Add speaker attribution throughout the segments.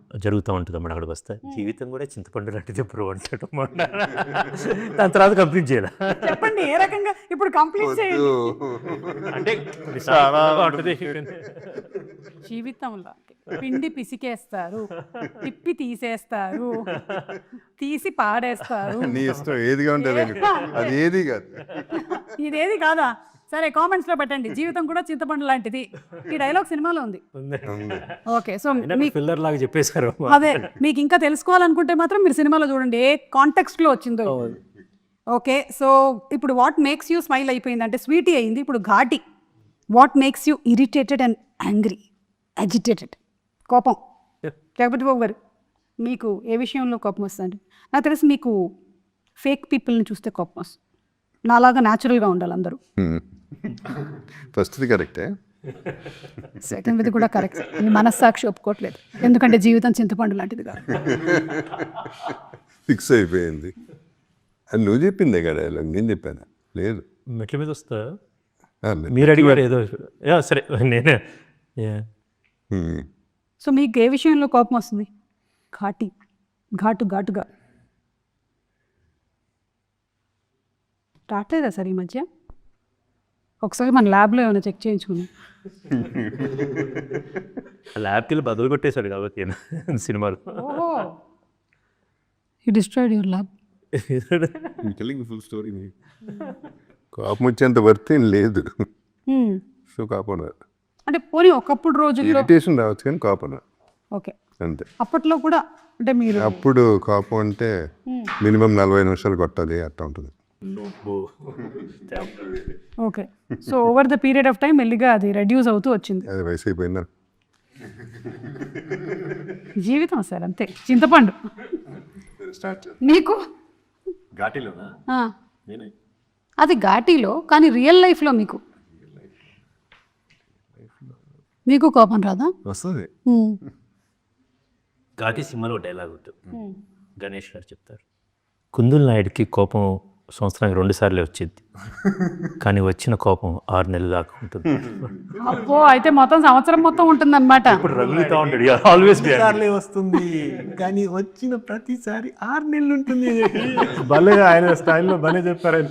Speaker 1: జరుగుతూ ఉంటుంది అన్నమాట. అక్కడికి వస్తే జీవితం కూడా చింతపండు లాంటిది బ్రో అంటాడు. దాని తర్వాత కంప్లీట్ చేయాలి.
Speaker 2: చెప్పండి ఏ రకంగా ఇప్పుడు కంప్లీట్ చేయండి.
Speaker 1: అంటే
Speaker 2: జీవితంలో పిండి పిసికేస్తారు, తిప్పి తీసేస్తారు, తీసి పాడేస్తారు.
Speaker 3: నీ ఇష్టం ఏదిగా ఉంటుంది అది ఏది కాదు.
Speaker 2: ఇదేది కాదా? సరే కామెంట్స్ లో పెట్టండి. జీవితం కూడా చింతపండు లాంటిది. ఈ డైలాగ్ సినిమాలో ఉంది. ఓకే, సో
Speaker 1: పిల్లర్ లాగా చెప్పేశారు.
Speaker 2: అదే మీకు ఇంకా తెలుసుకోవాలనుకుంటే మాత్రం మీరు సినిమాలో చూడండి ఏ కాంటెక్స్ట్ లో వచ్చిందో. ఓకే, సో ఇప్పుడు వాట్ మేక్స్ యూ స్మైల్ అయిపోయింది అంటే స్వీటీ అయింది. ఇప్పుడు ఘాటి. What makes you irritated and angry, agitated, కోపం. లేకపోతే బాబు గారు మీకు ఏ విషయంలో కోపం వస్తుంది? నాకు తెలిసి మీకు ఫేక్ పీపుల్ని చూస్తే కోపం వస్తుంది. నాలాగా న్యాచురల్గా ఉండాలి అందరూ.
Speaker 3: ఫస్ట్ది కరెక్టే,
Speaker 2: సెకండ్ది కూడా కరెక్ట్. మీ మనస్సాక్షి ఒప్పుకోవట్లేదు, ఎందుకంటే జీవితం చింతపండు లాంటిది కాదు.
Speaker 3: ఫిక్స్ అయిపోయింది. అది నువ్వు చెప్పిందే కదా, నేను చెప్పాను లేదు.
Speaker 1: మెట్ల మీద వస్తా మీరు అడిగారు ఏదో. సరే నేనే.
Speaker 2: సో మీకు ఏ విషయంలో కోపం వస్తుంది? ఘాటుగా రావట్లేదా సార్ ఈ మధ్య? ఒకసారి మన ల్యాబ్లో ఏమైనా చెక్ చేయించుకున్నాం.
Speaker 1: ల్యాబ్కి వెళ్ళి బదులు కొట్టేశాడు కాబట్టి సినిమాలు.
Speaker 2: You destroyed your lab.
Speaker 3: Full story. కోపం వచ్చేంత వర్త్ ఏం లేదు. సో కోపం
Speaker 2: అంటే పోనీ ఒకప్పుడు రోజుల్లో
Speaker 3: ఇరిటేషన్ రావచ్చు కానీ కోపం
Speaker 2: ఓకే
Speaker 3: అంతే.
Speaker 2: అప్పట్లో కూడా అంటే మీరు
Speaker 3: అప్పుడు కోపం అంటే మినిమం 40 నిమిషాలు కొట్టాలి అట్లా ఉంటుంది.
Speaker 2: Okay, so over the period of time మెల్లిగా అది రెడ్యూస్ అవుతూ వచ్చింది.
Speaker 3: అది వయసు అయిపోయిందా?
Speaker 2: జీవితం సార్ అంతే, చింతపండు. నీకు
Speaker 1: ఘాటీలోనా?
Speaker 2: అది ఘాటీలో, కానీ రియల్ లైఫ్లో మీకు కోపం రాదా?
Speaker 3: వస్తుంది.
Speaker 1: ఘాటీ సినిమాలో డైలాగ్ ఉంటుంది, గణేష్ గారు చెప్తారు. కుందుల్ నాయుడికి కోపం సంవత్సరానికి 2 సార్లే వచ్చింది, కానీ వచ్చిన కోపం 6 నెలలు దాకా ఉంటుంది.
Speaker 2: అబ్బో, అయితే మొత్తం సంవత్సరం మొత్తం ఉంటుంది అనమాట.
Speaker 1: ఆల్వేస్
Speaker 4: వస్తుంది కానీ వచ్చిన ప్రతిసారి 6 నెలలు ఉంటుంది. భలే ఆయన స్టైల్లో భలే చెప్పారు.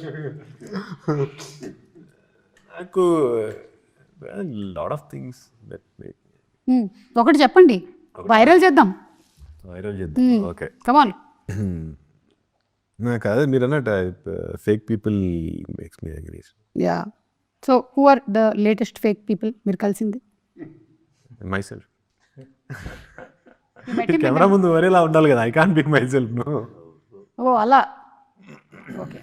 Speaker 4: నాకు lot of things that make
Speaker 2: ఒకటి చెప్పండి, వైరల్ చేద్దాం.
Speaker 4: వైరల్ చేద్దాం. Okay,
Speaker 2: come on.
Speaker 4: నాకు అదే మీరు అన్నట్టు fake people makes me angry.
Speaker 2: Yeah, so who are the latest fake people మీరు కలిసింది?
Speaker 4: Myself. కెమెరా ముందు వరేలా ఉండాలి కదా, I can't pick myself. No.
Speaker 2: ఓ అలా. ఓకే,